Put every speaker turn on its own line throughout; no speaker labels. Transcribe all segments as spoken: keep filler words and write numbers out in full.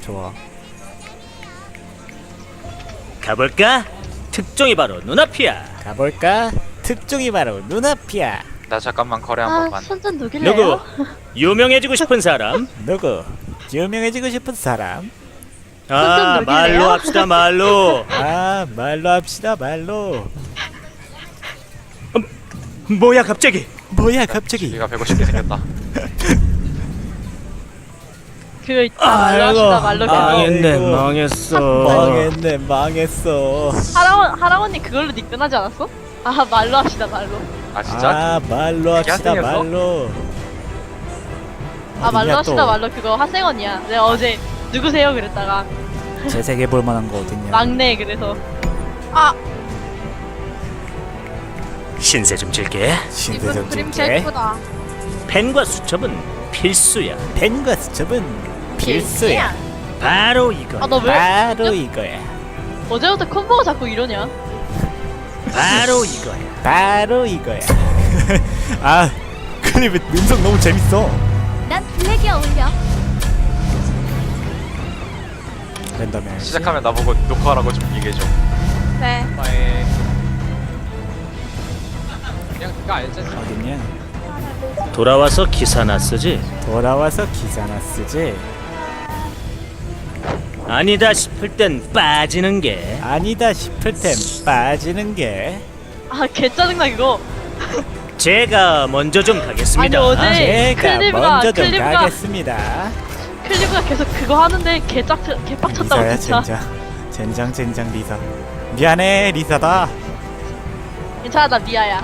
좋아.
가볼까? 특종이 바로 눈앞이야.
가볼까? 특종이 바로 눈앞이야.
나 잠깐만 거래 한
아,
번만.
손좀 녹일래요?
누구? 유명해지고 싶은 사람?
누구? 유명해지고 싶은 사람?
아,
녹일래요?
말로 합시다, 말로.
아, 말로 합시다, 말로.
뭐야, 갑자기?
뭐야, 갑자기?
얘가 배고쉽게 생겼다.
그거 있다. 말로 합시다. 말로 그거.
망했네,
아이고.
망했어.
망했네, 망했어.
하라원 하라원님 그걸로 니끈하지 않았어? 아 말로 합시다. 말로.
아 진짜?
아, 말로 합시다,
학생이었어?
말로.
아 말로
어딨냐,
합시다.
또?
말로 그거 하생언이야. 내가 어제 누구세요 그랬다가
재색해 볼 만한 거 어딨냐?
막내 그래서 아
신세 좀 질게.
신세 좀 줄게.
펜과 수첩은 필수야.
펜과 수첩은 필수야.
바로 이거.
아 너 왜
바로 이거야.
어제부터 콤보가 자꾸 이러냐?
바로 이거야.
바로 이거야. 아, 클립 음성 너무 재밌어.
난 블랙이 어울려.
랜덤에
시작하면 나보고 녹화하라고 좀 얘기해줘.
네.
빠이. 그냥 그거 알지?
어딨냐?
돌아와서 기사나 쓰지.
돌아와서 기사나 쓰지.
아니다 싶을 땐 빠지는 게.
아니다 싶을 땐 빠지는 게.
아 개 짜증나 그거.
제가 먼저 좀 가겠습니다.
아니, 어제- 네,
제가
클립과-
먼저 좀
클립과-
가겠습니다.
클리브가 계속 그거 하는데 개짝 개빡쳤다고
리사야
진짜.
젠장. 젠장 젠장 리사. 미안해 리사다.
괜찮아 나 미아야.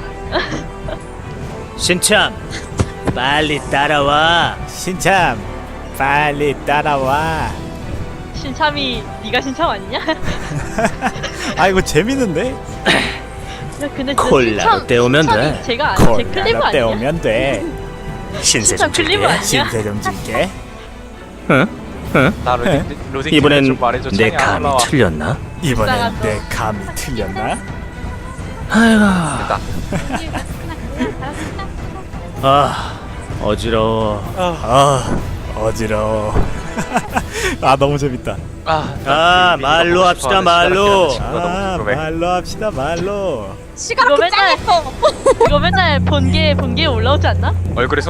신참, 빨리 따라와.
신참 빨리 따라와.
신참이 네가 신참 아니냐? 야
아 이거 재밌는데?
근데 진짜
콜라로
신참-
때우면
신참이
돼.
제가 아니 제 클리브
콜라로
아니냐?
때우면 돼.
신세
신참
좀
클리브
질게.
아니야?
신세 좀 질게.
응? 응?
나 로딩 로딩
이번엔
좀 말해줘.
내
창이 안
감이
올라와.
틀렸나?
이번엔
이상하다.
내 감이 틀렸나?
아이고,
됐다.
아, 어지러워.
아 어지러워. 아 너무 재밌다.
아,
아, 말로 합시다, 말로.
아 말로 합시다 말로.
이거 맨날 이거 맨날 본게 본게 올라오지 않나?
얼굴에